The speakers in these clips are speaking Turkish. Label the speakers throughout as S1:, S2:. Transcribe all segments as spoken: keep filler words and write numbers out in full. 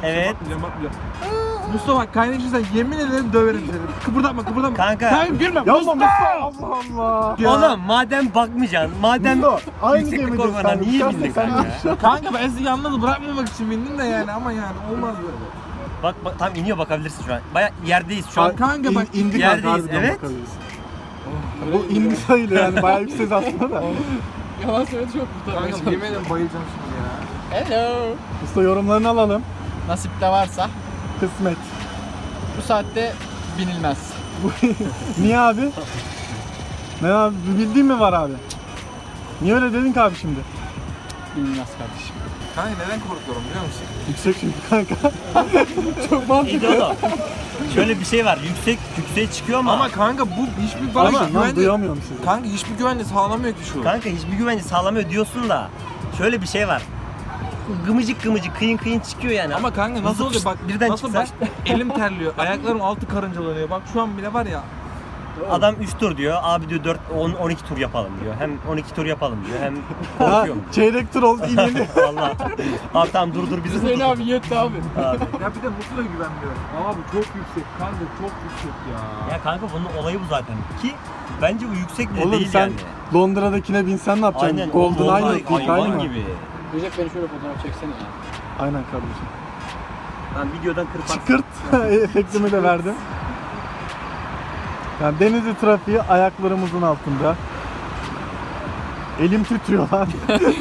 S1: Evet.
S2: Bakmayacağım, bakmayacağım. Mustafa bak kaynaşırsan yemin ederim döverim seni. Kıpırdatma kıpırdatma.
S1: Kanka.
S2: Sen gülme.
S3: Yapma Mustafa. Allah Allah.
S2: Ya.
S1: Oğlum madem bakmayacaksın, madem
S3: Mustafa, aynı
S1: yükseklik
S3: gemideyiz
S1: korkmadan
S3: kanka.
S1: niye
S3: Sen-
S1: bindin
S3: sen-
S1: kanka?
S2: Kanka ben sizi yalnız bırakmamak için bindim de yani ama yani olmaz böyle.
S1: Bak, bak tam iniyor, bakabilirsin şu an. Baya yerdeyiz şu an.
S2: Kanka bak
S3: İn, indik
S1: yerdeyiz,
S3: kanka, harbiden
S1: evet.
S3: bakabiliriz. Bu indi sayılır yani bayağı yüksek aslında da.
S4: Yalan söyledi çok kurtarmaya
S2: Kanka yemin ederim bayılacağım şimdi ya.
S4: Hello.
S3: Usta yorumlarını alalım.
S4: Nasip de varsa
S3: Kısmet.
S4: bu saatte binilmez.
S3: Niye abi? Ne abi? Bir bildiğin mi var abi? Niye öyle dedin ki abi şimdi?
S4: Binilmez kardeşim.
S2: Kanka neden korkuyorum biliyor musun?
S3: Yüksek çünkü kanka. Çok
S1: İyi
S3: mantıklı.
S1: de oğlum. Şöyle bir şey var. Yüksek yükseğe çıkıyor ama.
S2: Ama kanka bu hiçbir bana
S3: Ama lan
S2: güvence...
S3: duyamıyorum sizi.
S2: Kanka hiçbir güvence sağlamıyor ki şu.
S1: Kanka hiçbir güvence sağlamıyor diyorsun da. Şöyle bir şey var. Gımıcık gımıcık kıyın kıyın çıkıyor yani.
S2: Ama kanka nasıl oluyor bak
S1: birden
S2: nasıl
S1: çıksa-
S2: bak elim terliyor, ayaklarım altı karıncalanıyor. Bak şu an bile var ya.
S1: Adam üç tur diyor. Abi diyor dört on on iki tur yapalım diyor. Hem on iki tur yapalım diyor. Hem
S3: Ha,
S1: korkuyorum.
S3: çeyrek tur oldu inildi.
S1: Vallahi. Abi tamam dur dur bizi
S4: Hüseyin
S1: dur.
S4: abi yetti abi.
S1: Abi.
S2: Ya bir de Mutlu'ya güvenmiyorum. Abi çok yüksek kanka çok yüksek ya.
S1: Ya kanka bunun olayı bu zaten. Ki bence bu yüksek bile
S3: Oğlum
S1: değil
S3: sen
S1: yani.
S3: Londra'dakine binsen ne yapacaksın?
S1: Aynen.
S3: Golden
S1: Golden
S3: Island
S1: Ay-
S3: ilk
S1: hayvan
S3: aynı mı?
S1: gibi.
S4: Recep beni şöyle fotoğraf çeksene ya.
S3: Aynen kardeşim.
S1: Ben videodan kırparsın.
S3: Çıkırt efektimi de verdim. Yani Denizli trafiği ayaklarımızın altında. Elim titriyor lan.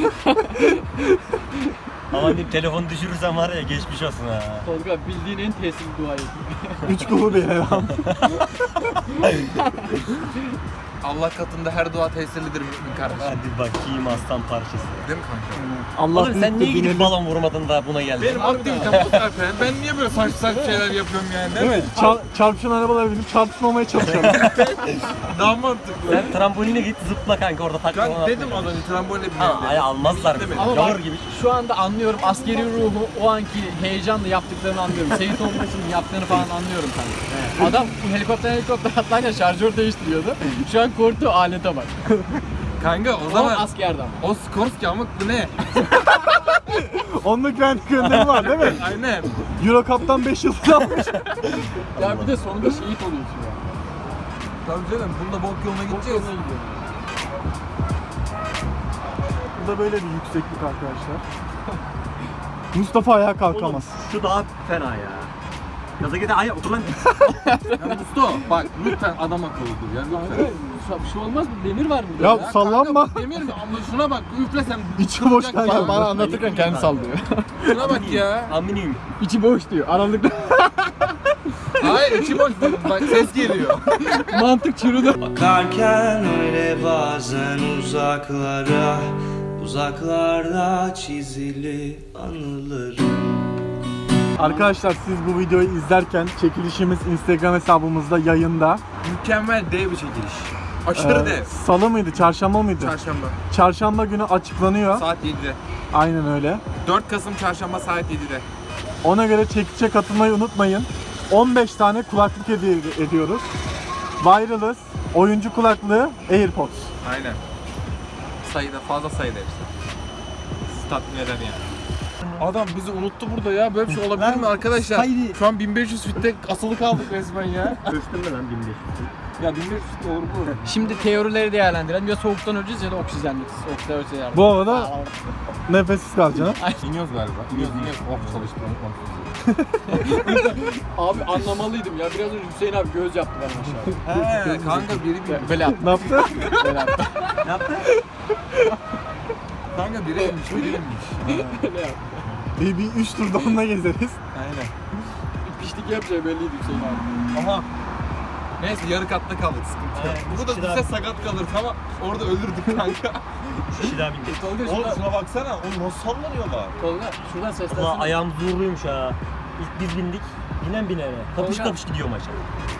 S1: Ama bir telefonu düşürürsen var ya geçmiş olsun ha.
S4: Tolga bildiğin en tesirli duayı.
S3: Üç kulu bir elham.
S2: Allah katında her dua tesirlidir mümin kardeşim.
S1: Hadi bakayım aslan parçası.
S2: Değil mi kanka?
S3: Allah
S1: Oğlum sen niye
S3: büyüktür,
S1: gidip
S3: binelim.
S1: balon vurmadın da buna geldin?
S2: Benim aktivitem bu zaten. Ben niye böyle saçma saçma şeyler yapıyorum yani?
S3: Değil mi? Çar- çarpışan arabalara binip çarpışmamaya çalışalım.
S2: Daha mantıklı.
S1: Sen tramboline git zıpla kanka orada takla
S2: Kanka dedim az önce tramboline
S1: Ha,
S2: binelim.
S1: ay almazlar bizi.
S2: Demedim.
S4: Ama
S1: Gavur
S4: bak
S1: gibi.
S4: şu anda anlıyorum askeri ruhu, o anki heyecanla yaptıklarını anlıyorum. Seyit olmasının yaptığını falan anlıyorum kanka. Adam helikopter helikopter atlarken şarjör değiştiriyordu. Şu an korktuğu alete bak.
S2: Kanka o
S4: O
S2: zaman
S4: askerde ama.
S2: o Skorsky amık bu ne?
S3: Onun güvenlik önlemi var değil mi?
S2: Aynen.
S3: Euro Cup'tan beş yıldız almış.
S4: Ya bir de sonunda şehit oluyorsun ya.
S2: Tabii canım bunda bok yoluna
S4: Çok
S2: gideceğiz.
S4: yoluna gidiyor.
S3: Bu da böyle bir yükseklik arkadaşlar. Mustafa ayağa kalkamaz.
S1: Oğlum, şu daha fena ya. Gaza gide ay otur lan.
S2: Ya Mustafa bak lütfen adam akıllı dur ya
S4: Kanka
S2: lütfen.
S4: şu- bir şey olmaz mı? Demir var burada
S3: Ya,
S4: ya.
S3: sallanma.
S2: Kanka, demir mi? Ama şuna bak üflesem.
S3: İçi boş
S2: kırılacak
S3: kanka.
S2: ya.
S4: Bana anlatırken kendi sallıyor.
S2: Şuna bak ya.
S1: Aminiyim.
S4: İçi boş diyor. Aralıkta
S2: Hayır içi boş. Bak ses geliyor.
S4: mantık çürüdü.
S5: Bakarken öyle bazen uzaklara, uzaklarda çizili anılarım.
S3: Arkadaşlar siz bu videoyu izlerken çekilişimiz Instagram hesabımızda yayında.
S2: Mükemmel dev bir çekiliş. Aşırı
S3: Ee,
S2: dev.
S3: Salı mıydı, çarşamba mıydı?
S2: Çarşamba.
S3: Çarşamba günü açıklanıyor.
S2: Saat yedide.
S3: Aynen öyle.
S2: dört Kasım çarşamba saat yedide.
S3: Ona göre çekişe katılmayı unutmayın. on beş tane kulaklık hediye ediyoruz. Wireless, oyuncu kulaklığı, AirPods.
S2: Aynen. Sayıda fazla sayıda hepsi. Sizi tatmin eder yani. Adam bizi unuttu burada ya. Böyle bir şey olabilir mi arkadaşlar?
S1: saydı.
S2: Şu an bin beş yüz fitte asılı kaldık resmen ya.
S1: Ölçtün mü lan bin beş yüz?
S2: Ya bin beş yüz fit olur mu?
S4: Şimdi teorileri değerlendirelim. Ya soğuktan öleceğiz ya da oksijenli. Soğukta öleceğiz.
S3: Bu arada nefessiz kalacaksın.
S2: İniyoruz galiba. İniyoruz iniyoruz. Oh çalıştı.
S4: Abi anlamalıydım ya. Biraz önce Hüseyin abi göz yaptı bana aşağıya.
S2: He kanka biri bir.
S4: Böyle yaptı.
S3: Ne yaptı?
S4: Böyle yaptı.
S1: Ne yaptın?
S2: Kanka biri inmiş, biri inmiş.
S4: Böyle yaptı.
S3: Bir, bir üç turda onunla gezeriz.
S2: Aynen.
S4: Bir pişlik yapacağı belliydi Hüseyin abi.
S2: Aha. Neyse yarı katta kaldık sıkıntı yok.
S1: Aynen,
S2: Bu da
S1: bir
S2: bize
S1: şey
S2: sakat kalırdı ama orada ölürdük kanka.
S1: Üç kişi daha bindik.
S4: Tolga
S6: Oğlum
S4: şuradan,
S6: şuna baksana, oğlum nasıl sallanıyorlar?
S4: Tolga şuradan
S1: Ulan
S4: seslensene.
S1: ayağım zorluymuş ha. İlk biz bindik. Binen binene. Kapış
S4: Tolga.
S1: kapış gidiyor maça.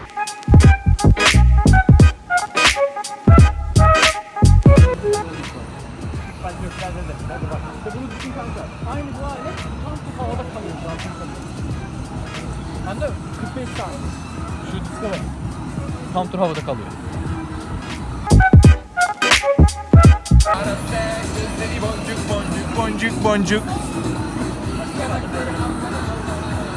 S1: Bak göklerde de. Hadi bak.
S4: İşte bunu düşün kanka. Aynı bu alet tam bu havada kalıyor. Zaten kalıyor. Hem de kırk beş saniye. Şu diske bak. Tam tur havada kalıyor.
S2: Boncuk boncuk boncuk boncuk.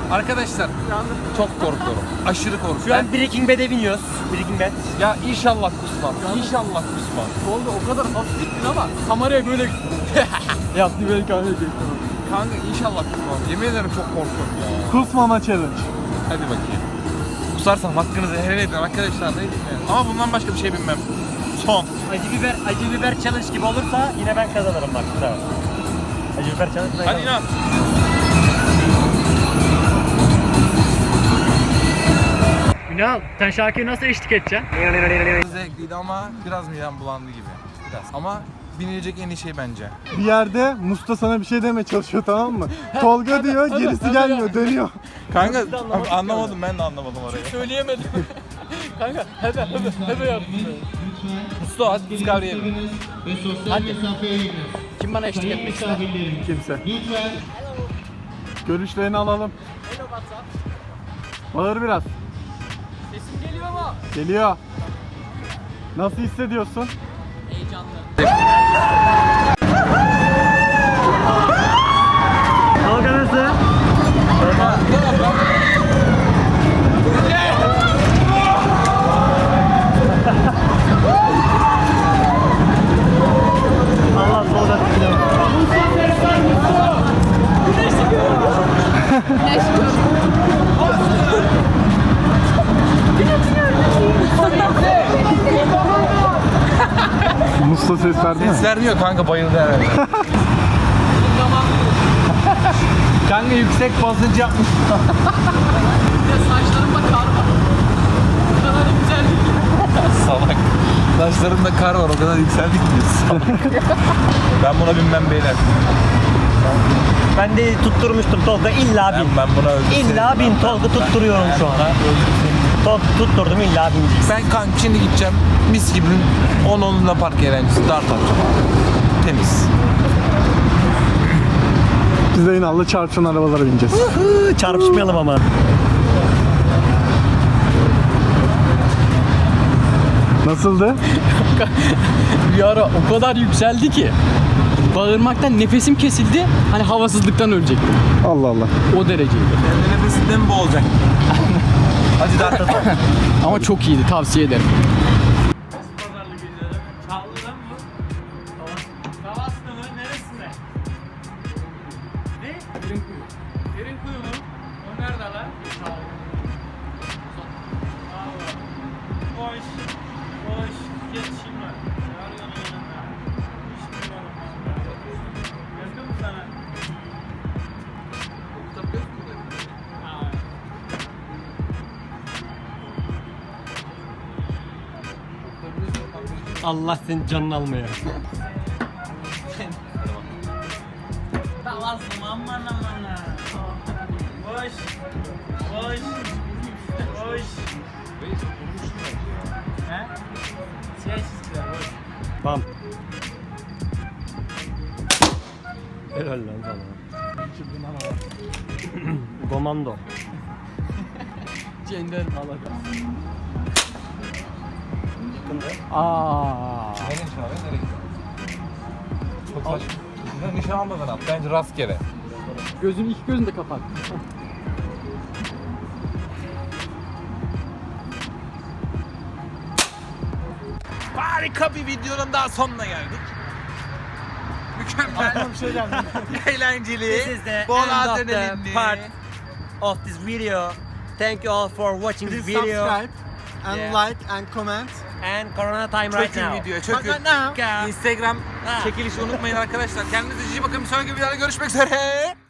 S2: Arkadaşlar çok korkuyorum. Aşırı korkuyorum.
S1: Şu an Breaking Bad'e biniyoruz. Breaking Bad.
S2: Ya inşallah kusmam. İnşallah kusmam.
S4: Oldu o kadar hafif gittin ama kameraya böyle yaptı böyle kameraya çekti.
S2: Kanka inşallah kusmam. Yemin ederim çok korkuyorum ya.
S3: Kusmama challenge.
S2: Hadi bakayım. Kusarsam hakkınızı helal edin arkadaşlar. Ne diyeyim yani. Ama bundan başka bir şey bilmem. Son.
S1: Acı biber, acı biber challenge gibi olursa yine ben kazanırım bak. Tamam. Acı biber challenge ben
S2: Hadi
S1: kazanırım.
S2: inan.
S4: Ünal sen şarkıyı nasıl eşlik edeceksin?
S2: Zevkliydi ama biraz midem bulandı gibi. Biraz. Ama binilecek en iyi şey bence.
S3: Bir yerde Musta sana bir şey demeye çalışıyor, tamam mı? Tolga diyor, gerisi gelmiyor, dönüyor.
S2: Kanka anlamadım, ben de anlamadım orayı.
S4: Söyleyemedim. Kanka hebe hebe hebe yaptım.
S2: Mustafa hadi biz kavrayalım.
S4: Hadi. Kim bana eşlik etmek ister?
S3: Kimse. Görüşlerini alalım. Bağır biraz.
S4: Sesim geliyor mu?
S3: Geliyor. Nasıl hissediyorsun?
S4: Heyecanlı.
S1: Tolga nasıl? Allah Tolga
S3: Musta ses verdi mi?
S2: Ses vermiyor kanka, bayıldı herhalde.
S3: Kanka yüksek basınç yapmış.
S4: Ya saçlarımda kar var. Bu kadar güzellik.
S2: Salak. Saçlarımda kar var, o kadar yükseldik ki. Salak. Ben buna binmem beyler.
S1: Ben de tutturmuştum Tolga illa
S2: Ben,
S1: bin.
S2: ben buna öldüm.
S1: İlla bin Tolga tutturuyorum şu an. Tol tutturdum illa bineceğiz.
S2: Ben kanka şimdi gideceğim mis gibi on onunla park eğlencesi dart atacağım. Temiz.
S3: Biz de Ünal'la çarpışan arabalara bineceğiz.
S1: Çarpışmayalım ama.
S3: Nasıldı?
S4: Bir ara o kadar yükseldi ki bağırmaktan nefesim kesildi. Hani havasızlıktan ölecektim.
S3: Allah Allah.
S4: O dereceydi.
S2: Kendi nefesinden mi boğulacak? Hadi dart atalım.
S4: Ama çok iyiydi. Tavsiye ederim.
S1: Allah senin canını almaya. Tamam. Helal lan sana. Komando.
S4: Cender malaga. Aa.
S2: Nereye nişan alıyorsun? Nereye gidiyorsun? Çok saçma. Nişan, nişan almadan at. Bence rastgele.
S4: Gözünü iki gözünü de kapat.
S2: Harika bir videonun daha sonuna geldik. Mükemmel.
S3: Bir şey geldi.
S2: Eğlenceli.
S1: This is the
S2: Bol
S1: end of the
S2: adrenalinli.
S1: part of this video. Thank you all for watching this
S3: Please
S1: video.
S3: subscribe and
S1: Yeah.
S3: like and comment.
S1: And Corona time right
S2: Çökün
S1: now.
S2: video, çökün.
S3: Right now.
S2: Instagram
S1: Ha.
S2: çekilişi unutmayın arkadaşlar. Kendinize iyi bakın. Bir sonraki videoda görüşmek üzere.